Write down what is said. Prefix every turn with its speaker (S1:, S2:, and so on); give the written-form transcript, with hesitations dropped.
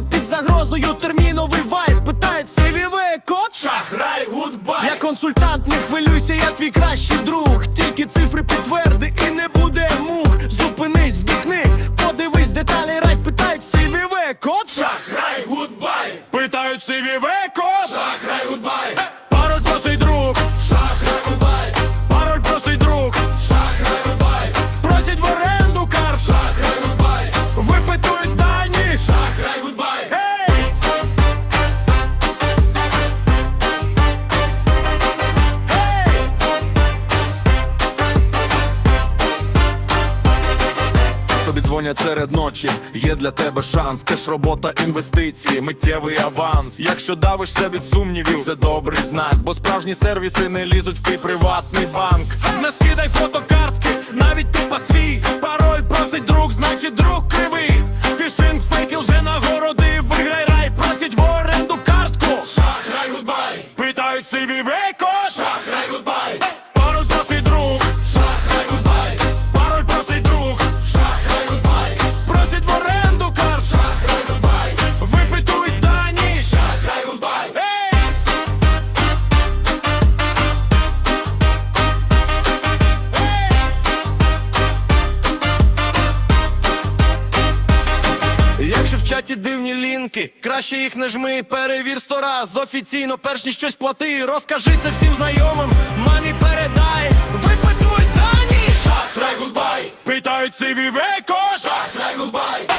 S1: під загрозою терміновий вайб. Питають CVV код,
S2: шахрай, гудбай.
S1: я консультант, не хвилюйся, я твій кращий друг. Тільки цифри підтверди і не буде мук. Зупинись, вдихни, подивись деталі, радь. Питають CVV код,
S2: Шахрай, гудбай.
S1: питають CVV код,
S2: Шахрай, гудбай.
S1: пароль просить друг,
S2: Шахрай, гудбай.
S1: пароль просить друг,
S2: Шахрай, гудбай.
S1: просять в оренду карт,
S2: Шахрай, гудбай.
S1: випитують дані.
S2: Шахрай, гудбай.
S1: Ей! Ей!
S3: Тобі дзвонять серед ночі, є для тебе шанс. Кеш, робота, інвестиції, миттєвий аванс. Якщо давишся від сумнівів, це добрий знак, бо справжні сервіси не лізуть в твій приватний банк.
S1: Не скидай фотокартки, навіть тупо свій. Пароль просить друг, значить друг кривий. Фішинг, фейки, лже-нагороди, виграй рай, просять в оренду картку.
S2: Шахрай, гудбай.
S1: Питають CVV код,
S2: Шахрай, гудбай.
S1: пароль просить друг,
S2: Шахрай, гудбай.
S1: пароль просить друг,
S2: Шахрай, гудбай.
S1: просять в оренду карт,
S2: Шахрай, гудбай.
S1: випитують дані.
S2: Шахрай, гудбай.
S1: Ей! Якщо в чаті дивні лінки, краще їх не жми, перевір 100 раз офіційно, перш ніж щось плати. Розкажи це всім знайомим, мамі передай, випитують дані.
S2: Шахрай, гудбай.
S1: Питають CVV код,
S2: Шахрай, гудбай.